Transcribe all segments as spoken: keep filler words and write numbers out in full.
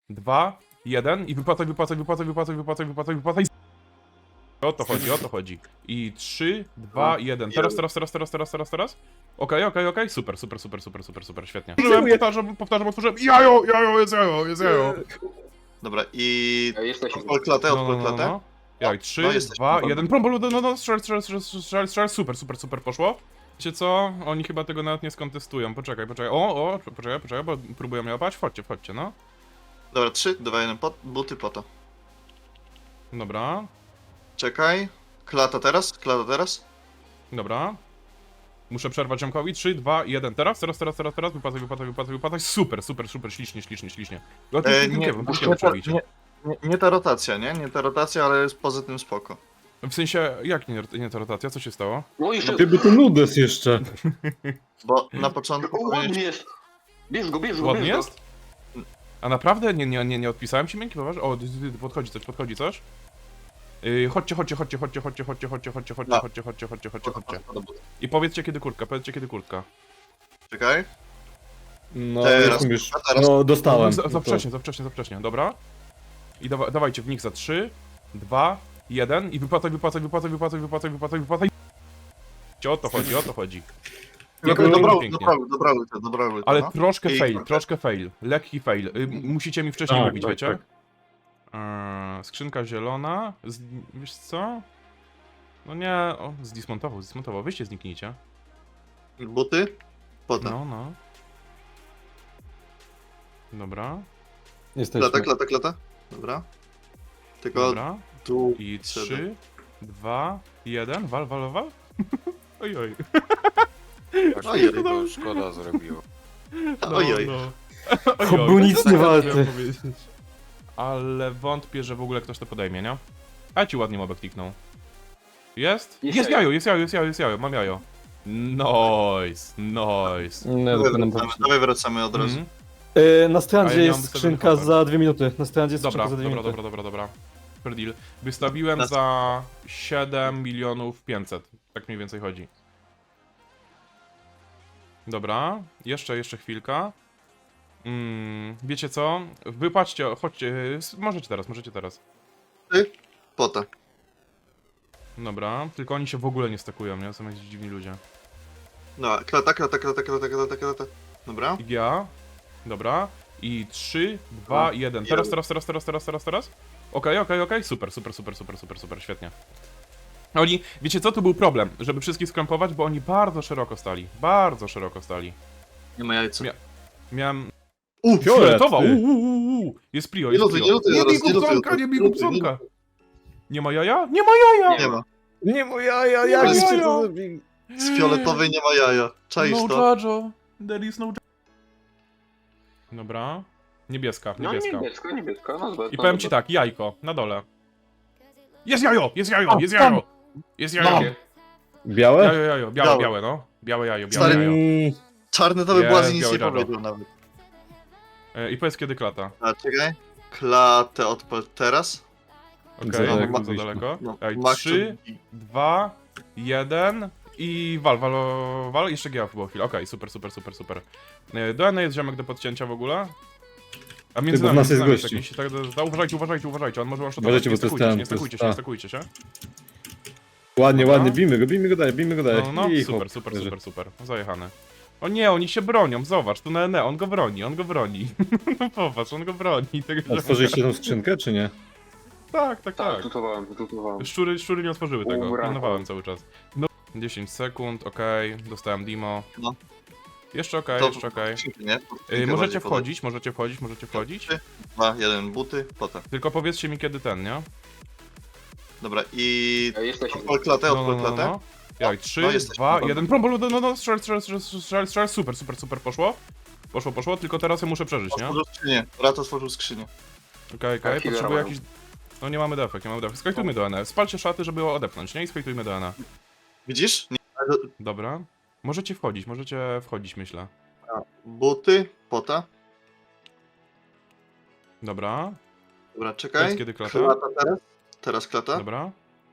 dwa, jeden i wypłacaj, wypłacaj, wypłacaj, wypłacaj, wypłacaj, wypłacaj, wypłacaj. O to chodzi, o to chodzi. I trzy, dwa, jeden. Teraz, teraz, teraz, teraz, teraz, teraz, teraz. Okej, okej, okej. Super, super, super, super, super, super, świetnie. Powtórzyłem, powtarzam, powtarzam, powtórzyłem. Jajo, jajo, jest jajo, jest jajo. Dobra, i... Ja jesteśmy. Odpal klatę, No, no, odpal no, klatę. no. Jaj, trzy, no, jesteśmy dwa, na jeden. Prom, prom, no, no, strzel, strzel, strzel, strzel, strzel, super, super, super, poszło. Wiecie co? Oni chyba tego nawet nie skontestują. Poczekaj, poczekaj. O, o, poczekaj, poczekaj, bo próbują mnie łapać. Wchodźcie, wchodźcie, no. Dobra, trzy, dwa, jeden, pot, buty po to. Dobra, Czekaj. Klata teraz, klata teraz. dobra. Muszę przerwać ziomkowi. trzy, dwa, jeden. Teraz, teraz, teraz, teraz, teraz. Wypłacaj, wypłacaj, wypłacaj, wypłacaj. Super, super, super, ślicznie, ślicznie, ślicznie. No, E, e, nie, nie, nie, nie, nie, nie, nie ta rotacja, nie? Nie ta rotacja, ale jest poza tym spoko. W sensie, jak nie, nie ta rotacja? Co się stało? No jeszcze... Gdyby to nudes jeszcze. Bo na początku O, ładny powinieneś... jest! Bierz go, bierz go, Ładnie bierz go. jest? A naprawdę? Nie, nie, nie, nie odpisałem ci miękki, poważnie? O, dy, dy, dy, podchodzi coś, podchodzi coś. Yy, chodźcie, chodźcie, chodźcie, chodźcie, chodźcie, chodźcie, chodźcie, chodźcie, chodźcie, No. chodźcie, chodźcie, chodźcie, chodźcie, chodźcie. Po to buty. I powiedzcie kiedy kurtka, powiedzcie kiedy kurtka. Czekaj. No, Teraz, jestem już. a teraz? No, dostałem. Za, No za to- wcześnie, za wcześnie, za wcześnie, dobra. I dawa, dawajcie w nich za trzy, dwa, jeden i wypłacaj, wypłacaj, wypłacaj, wypłacaj, wypłacaj, wypłacaj, wypłacaj. O to chodzi, o to chodzi. Dobra, Pięknie, dobra, pięknie. dobra, dobra, dobra, dobra, dobra, Ale no. troszkę I- fail, troszkę fail, lekki fail. Y, musicie mi wcześniej Tak, mówić, tak, wiecie? tak. Eee, skrzynka zielona. Z, wiesz co? No nie, o, zdismontował, zdismontował. Wyście zniknijcie. Buty? Po to. No, no. Dobra, Jesteśmy. Klata, klata, klata. Dobra. Tylko dobra. tu... I trzeba. trzy, dwa, jeden. Wal, wal, wal. Oj, oj. Ojej. To szkoda zrobiło. No, Ojej. no. To był nic nie warty. chciałem powiedzieć. Ale wątpię, że w ogóle ktoś to podejmie, nie? A ci ładnie mobek kliknął. Jest? Jest Jest jajo. jajo, jest jajo, jest jajo, jest jajo, mam jajo. Nice, nice. Nie, Dawaj dopiero nam wracamy, dawaj wracamy od razu. Mhm. Yy, na A strandzie ja nie mam jest wystawiony skrzynka hopper. za dwie minuty. Na strandzie jest Dobra, skrzynka za dwie dobra, minuty. dobra, dobra, dobra. Fair deal. Wystawiłem Nas- za siedem milionów pięćset. Tak mniej więcej chodzi. Dobra, jeszcze, jeszcze chwilka. Mm, wiecie co? Wypłaćcie, chodźcie, s- możecie teraz, możecie teraz. Po to. Dobra, tylko oni się w ogóle nie stakują, nie? Są jakieś dziwni ludzie. No, klata, klata, klata, klata, klata, klata. Dobra. I ja. Dobra. I trzy, dwa, jeden. Teraz, teraz, teraz, teraz, teraz, teraz, teraz. Okej, okej, okej. Super, super, super, super, super, super, świetnie. Oni, wiecie co, tu był problem, żeby wszystkich skrępować, bo oni bardzo szeroko stali. Bardzo szeroko stali. Nie ma jajca. Mia- Miałem... U, Fioletowa! ty. Uuu, jest prio, Nie jest lutuj, prio. nie lutuj Nie zaraz, bij nie lutuj, kupsonka, nie nie bij lutuj, kupsonka! Nie ma jaja? Nie ma jaja! Nie ma. Nie moja, ja, jak jak się się to to zrobi? Z fioletowej nie ma jaja. Czaisz No to? Jojo, there is no... Dobra. Niebieska, No niebieska. niebieska, niebieska, no zobacz. I no powiem ci zobacz. tak, jajko, na dole. Jest jajo, jest jajo, jest jajo! Jest jajo. Mam. Białe? Jajo, jajo, białe, Białe. białe, no. Białe jajo, białe Stary- jajo. Mm, Czarny to by Nie, Błazi nic biały nie Jojo. powiedział nawet. E, I powiedz kiedy klata. A, czekaj. Klatę odpal teraz. Okej, Za okay, daleko mam za byliśmy. daleko. No, Ej, Max, trzy, dwa, jeden i wal, wal, wal. Jeszcze G A było chwilę. Okej, super, super, super, super. E, Do N jest ziomek do podcięcia w ogóle. A między Ty, bo w nami, nas między jest nami gościu. jakiś, tak, da- uważajcie, uważajcie, uważajcie, on może one Uważajcie, nie bo to jest stakujcie się, ten, nie to jest- stakujcie się, nie a. stakujcie się. Ładnie, Dobra. ładnie, bijmy go, bijmy go dalej, bijmy go dalej. No, no, I super, hop, super, leży. super, super. Zajechane. O nie, oni się bronią, zobacz, tu na N, on go broni, on go broni. No popatrz, on go broni. Tego Otworzyliście tą skrzynkę, czy nie? Tak, tak, Tak, tak. tutowałem, tutowałem. Szczury, szczury nie otworzyły tego, Ura. pilnowałem cały czas. No. dziesięć sekund, okej, dostałem Dimo. No. Jeszcze okej, To- jeszcze okej. Nie? Y, Kilka możecie bardziej wchodzić, możecie wchodzić, możecie wchodzić. podaj. Dwa, jeden, buty, potem. Tylko powiedzcie mi kiedy ten, nie? Dobra, i... Ja jesteśmy. Odpal klatę, No, no, odpal no, klatę. no. Jaj, trzy, no, jesteśmy dwa, dobra. jeden. Prom, prom, no, no, no, strzel, strzel, strzel, strzel, strzel, super, super, super, poszło. Poszło, poszło, tylko teraz ja muszę przeżyć, nie? Otworzył skrzynię. Rat otworzył skrzynię. Okej, okej, Chwilę potrzebuję robią. jakiś... No nie mamy defek, nie mamy defek. Skajtujmy do N. Spalcie szaty, żeby odepchnąć, nie? I skajtujmy do N. Widzisz? Nie. Dobra. Możecie wchodzić, możecie wchodzić, myślę. Buty, pota. Dobra. Dobra, Powiedz czekaj. kiedy klata. Klata teraz. Teraz klata. Dobra.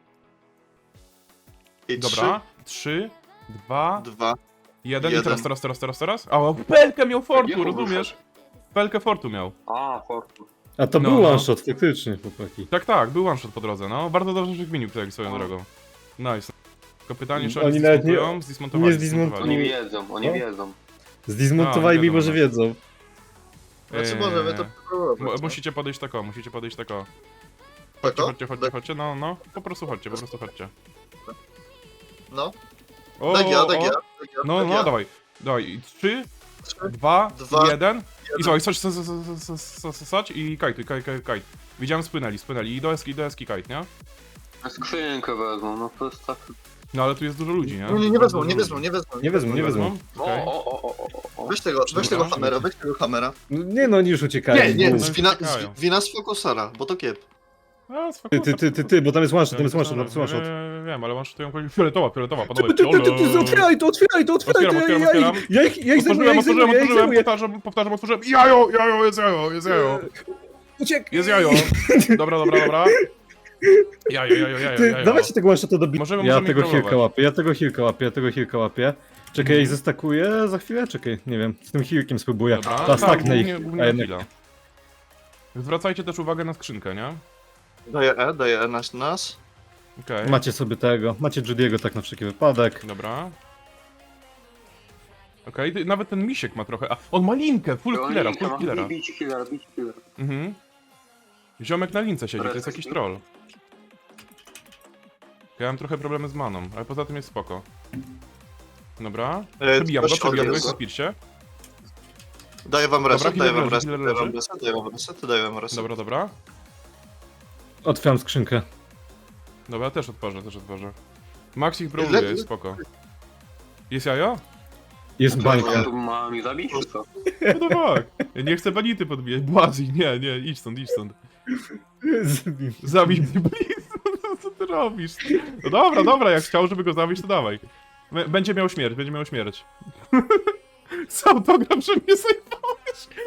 I Dobra. Trzy, dwa, trzy, dwa. jeden. I jeden. teraz, teraz, teraz, teraz, teraz. A, pelkę miał fortu, Jaką rozumiesz? Pelkę Fortu miał. A, Fortu. A to No, był no. one shot, faktycznie, chłopaki. Tak, tak, był one shot po drodze, no. Bardzo dobrze, że gminił tutaj swoją No. drogą. Nice. Tylko pytanie, czy Oni oni nawet nie- zdismontują? Zdismontowali, nie zdismontowali. Oni zdismontowali. wiedzą, oni No. wiedzą. Zdismontowali, A, nie mimo że wiadomo. wiedzą. Znaczy Eee, możemy to Mu- próbować. Musicie podejść tako, musicie podejść tako. Chodźcie, Tako? chodźcie, chodźcie, chodźcie, no, no. Po prostu chodźcie, po prostu chodźcie. No, O, tak ja, o, tak o. ja. tak ja, No, tak no, ja. dawaj. Dawaj, trzy, Trzy, dwa, dwa, jeden. I słuchaj, sać, sać, sać, sać, sać i kajtuj, kaj, kaj, kaj. Widziałem, spłynęli, spłynęli. I do eski, do eski kajt, nie? Skrzynkę wezmą, no to jest tak... No ale tu jest dużo ludzi, nie? Nie, nie, nie wezmą, nie wezmą, nie wezmą. Nie wezmą, nie wezmą. O, Okej. o, o, o, o, o. Weź tego, weź tego Dobra. hamera, weź tego hamera. No, nie no, oni już uciekają. Nie, nie, Bo- z wina, uciekają. z wina z fokusera, bo to kiep. A, spoko, Ty, ty, ty, ty, ty, bo tam jest one shot, tam jest one shot, tam Wiem, jest one shot. wiem, wiem, ale one shotują fioletowa, fioletowa, Ty, panowie. ty, ty, ty, ty, ty, otwieraj to, otwieraj to, otwieraj Otwieram, to, ja, otwieram, ja, otwieram. ja ich, ja ich zajmuję, ja Otworzyłem, ich otworzyłem, zajmuję, ja ich otworzyłem, zajmuję. powtarzam, powtarzam, otworzyłem. Jajo, jajo, jest jajo, jest jajo. Uciek! Jest jajo. Dobra, dobra, dobra. Jajo, jajo, jajo, Ty, jajo. dawajcie tego one shota do bi- Możemy- Ja możemy tego ich próbować. hilka łapię, ja tego hilka łapię, ja tego hilka łapię. Czekaj, ja ich zestakuję za chwilę? Czekaj, nie wiem, z tym hilkiem spróbuję. Dobra, Ta, tak, staknę ich. głównie, A głównie na jednak- chwilę. Zwracajcie też uwagę na skrzynkę, nie? Daję E, daję E nas, nas. Okej, Macie sobie tego, macie Judiego tak na wszelki wypadek. dobra. Okej, ty- nawet ten misiek ma trochę, a on ma linkę, full killera, full killera. Bić killera, bić killera. Mhm. Ziomek na lince siedzi, to jest jakiś troll. Ja mam trochę problemy z maną, ale poza tym jest spoko. Dobra. E, Przebijam go, coś przebijam go, odgadza. jest na pirsie. Daję wam Dobra, reset, healer daję wam leży, reset, healer daję wam leży. reset, daję wam reset, daję wam reset. Dobra, dobra. Otwieram skrzynkę. Dobra, też otworzę, też otworzę. Max ich Le- brawluje, jest spoko. Jest jajo? Jest Co, bańka. tu ma mi zabić, czy co? No tak. Ja nie chcę banity podbijać. Błazi, nie, nie, idź stąd, idź stąd. Zabij mnie, please. No, co ty robisz? No dobra, dobra, jak chciał, żeby go zabić, to dawaj. B- Będzie miał śmierć, będzie miał śmierć. Z autogram, że mnie zajmowałeś.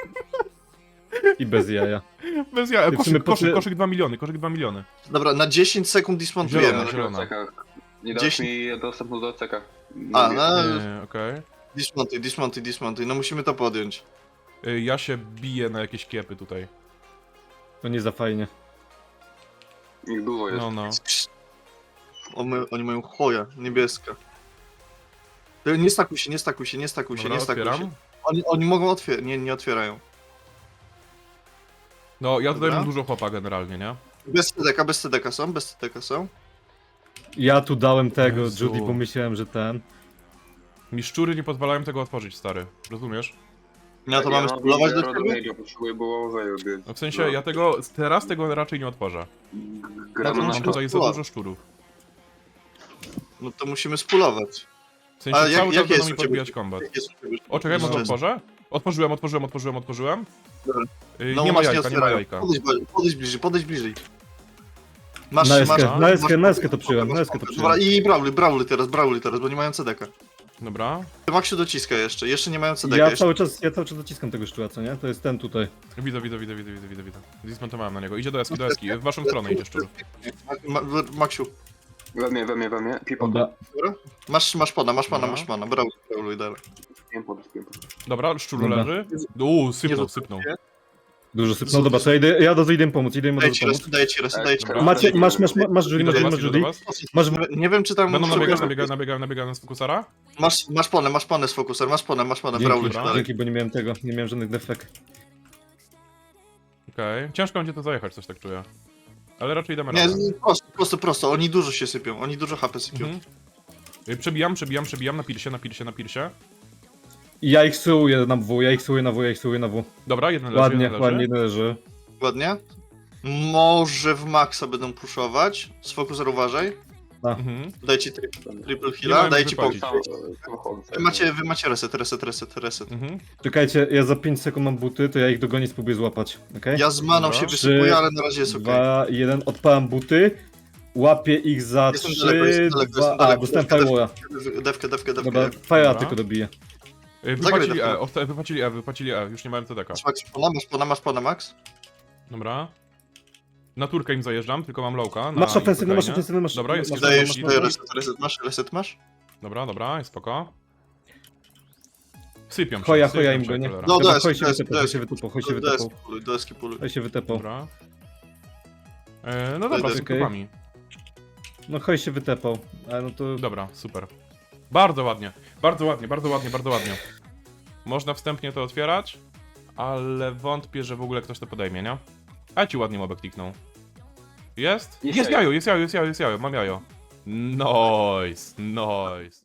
I bez jaja. Bez ja. Ty w sumie Koszyk, po koszyk, ty- koszyk dwa miliony, koszyk dwa miliony. Dobra, na dziesięć sekund dismontujemy. Zielona, zielona. Nie dasz Dziesięć- mi dostępu do ceka. A, Nie, no, Nie, okej. dismontuj, dismontuj, dismontuj, no musimy to podjąć. Y, Ja się biję na jakieś kiepy tutaj. To nie za fajnie. Ich dużo jest. No, no. Oni, oni mają choja, niebieska. E, Nie stakuj się, nie stakuj się, nie stakuj się, Dobra, nie stakuj się. otwieram. Oni, oni mogą otwierać, nie, nie otwierają. No, ja tutaj Dobra. mam dużo chłopa generalnie, nie? Bez C D K, bez C D K są, bez C D K są. Ja tu dałem tego Jezu. Judy, bo myślałem, że ten. Mi szczury nie pozwalają tego otworzyć, stary. Rozumiesz? No to mamy mam spróbować do zero ciebie? damage'a, potrzebuję Bołowej obiec. No w sensie, ja tego, teraz tego raczej nie otworzę. No Gramy to na Mam musimy- tutaj za spróbować. dużo szczurów. No to musimy spulować. W sensie, A jak- cały czas jakie będą jest mi u ciebie- podbijać kombat. Jak jest u ciebie? O, czekaj, może No. otworzę? Otworzyłem, otworzyłem, otworzyłem, otworzyłem. Dobra. Yy, No nie ma właśnie jajka, nie ma otwierają. jajka. Podejdź, bli- podejdź bliżej, podejdź bliżej. Masz, Na eskę, masz, na eskę, masz- na eskę to przyjąłem, masz- na eskę to Dobra, przyjąłem. i brawly, brawly teraz, brawly teraz, bo nie mają C D K. Dobra. Maxiu dociska jeszcze, jeszcze nie mają C D K. Ja jeszcze. cały czas, ja cały czas dociskam tego szczura, co nie? To jest ten tutaj. Widzę, widzę, widzę, widzę, widzę, widzę, widzę. Dismontowałem na niego. Idzie do eski, do eski. W waszą stronę idzie szczur. Ma, ma, Maxiu, We mnie, we mnie, we mnie. Pipo. Dobra. dobra? Masz, masz pana, masz pana, Dobra. masz pana, brawly, brawly dalej. Spię pod, spię pod. Dobra, szczur Dobra. leży. Uuu, sypnął, Nie sypnął. Dużo sypnął, dobra, to ja idę, ja do idę im pomóc, idę im od Daję razu ci pomóc. reset, daję ci reset, daję ci Dobra. reset. Macie, masz, masz, masz, masz Judy, Idę masz, do masz was, idę Judy. do was. Masz, Nie wiem czy tam... Będą nabiegać, szukasz- nabiegać, nabiegać, nabiegać z fokusara? Masz, masz ponę, masz ponę z fokuser, masz ponę, masz ponę, dzięki, brawly dobra. dalej. dzięki, bo nie miałem tego, nie miałem żadnych defekt. Okej. Ciężko będzie to zajechać, coś tak czuję. Ale raczej damy Nie, radę. nie, prosto, prosto, prosto, oni dużo się sypią, oni dużo H P sypią. Mhm. Y, Przebijam, przebijam, przebijam na pirsie, na pirsie, na pirsie. I ja ich suję na W, ja ich suję na W, ja ich suję na W. Dobra, jeden leży, Ładnie, jeden leży. ładnie leży. Ładnie? Może w maxa będą puszować. Z fokuser uważaj. Mhm. Daj ci tri triple Nie heala, mają daj ci wypłacić. pokój. Sam- samochód. Wy macie, wy macie reset, reset, reset, reset. Mhm. Czekajcie, ja za pięć sekund mam buty, to ja ich dogonię, spróbuję złapać, okej? Ja z maną Dobra. się wysypuję, Trzy, ale na razie jest okej. dwa, jeden, odpalam buty. Łapię ich za Jestem trzy, daleko, jestem daleko, dwa, jestem a, daleko. dostałem Dewkę, firewalla. Dewkę, dewkę, dewkę. Dobra, dewkę. fire'a Dobra. tylko dobiję. Y, Zagraj Wypłacili to. E, osta- wypłacili E, wypłacili E, już nie mają T D K. Masz Max, pona, masz pona, masz pona, Max? Dobra. Na turkę im zajeżdżam, tylko mam lowka. na Masz ofensywny, masz spokojnie. ofensywny, masz... Dobra, jest masz- jeden. Daję masz- ci masz- daję reset, reset masz, reset masz? Dobra, dobra, jest spoko. Sypią się, Choja, sypią choja im się, go, nie? cholera. No, Dobra, deski, chodź się deski, wytepał, chodź się deski. wytepał, chodź się Do deski wytepał. puluj, do deski puluj. Chodź się wytepał. Dobra. E, no dobra, z Okej. grupami. No chodź się wytepał, ale no to... Dobra, super. Bardzo ładnie, bardzo ładnie, bardzo ładnie, bardzo ładnie. Można wstępnie to otwierać, ale wątpię, że w ogóle ktoś to podejmie, nie? A ci ładnie mobek kliknął. Jest? Jest Jest jajo. jajo, jest jajo, jest jajo, jest jajo, mam jajo. Nice, nice.